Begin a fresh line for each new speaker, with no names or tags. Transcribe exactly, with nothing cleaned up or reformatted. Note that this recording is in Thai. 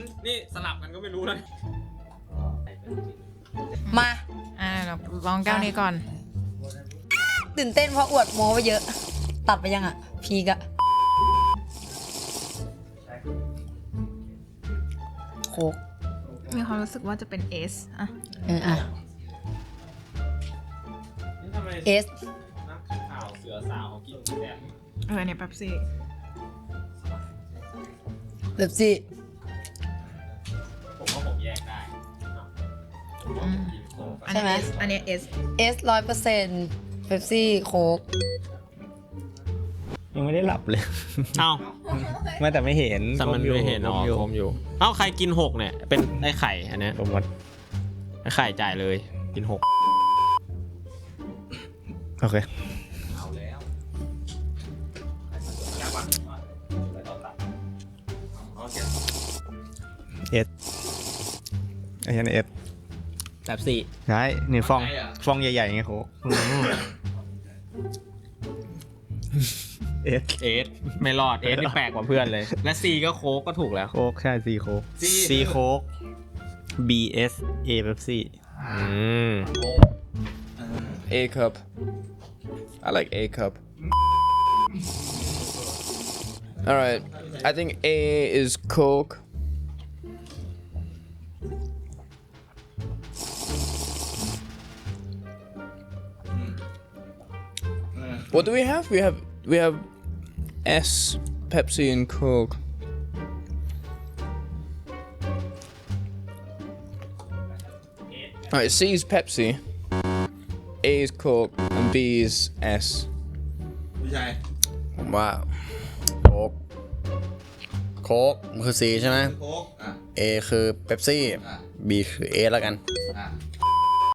นี่สลับกันก็ไม่รู้เลย
มา
อ่าเราลองแก้วนี้ก่อน
ตื่นเต้นเพราะอวดโม้ไปเยอะ ตัดไปยังอ่ะ พีกอะโคก
มีความรู้สึกว่าจะเป็นเอสอ่ะ
เอออ่ะเอส
นักข่าวเสือสาวกินแบบ
เออเนี่ยแป๊บซี่
เบบซี่
ผมว่าผมแยกได้ผมว่าผมกินโค้ก
อันนี้ S อันนี้เอส
เอสร้อยเปอร์เซ็นต์เบบซี่โคก
ยังไม่ได้หลับเลย
เอ้า
ไม่แต่ไม่เห็น
แต่มันไม่เห็นอ๋อ
อยู่
คมอยู่เอ้าใครกินหกเนี่ยเป็นไอ้ไข่อันเนี้ย
ผมหมด
ไอ้ไข่จ่ายเลยกินหก
โอเคเอสไอ้ยันเอส
แบบสี่
ใช่นี่ฟองฟองใหญ่ๆไงโค้กเอส
เอสไม่รอดเอสนี่แปลกกว่าเพื่อนเลยและซีก็โค้กก็ถูกแล้ว
โค้กใช่ซีโค้ก
C
ซีโค้ก B S A Pepsi
อืม
A cup. I like A cup. All right. I think A is Coke. What do we have? We have we have S, Pepsi, and Coke. All right. C is Pepsi. A is Coke and B is S.
ไม่ใช่
ผมว่าโค้กโค้กมันคือ C ใช่ไหม
โค้กอ่ะ
A คือเป๊ปซี่
อ่ะ
B คือ A แล้วกัน
อ่ะ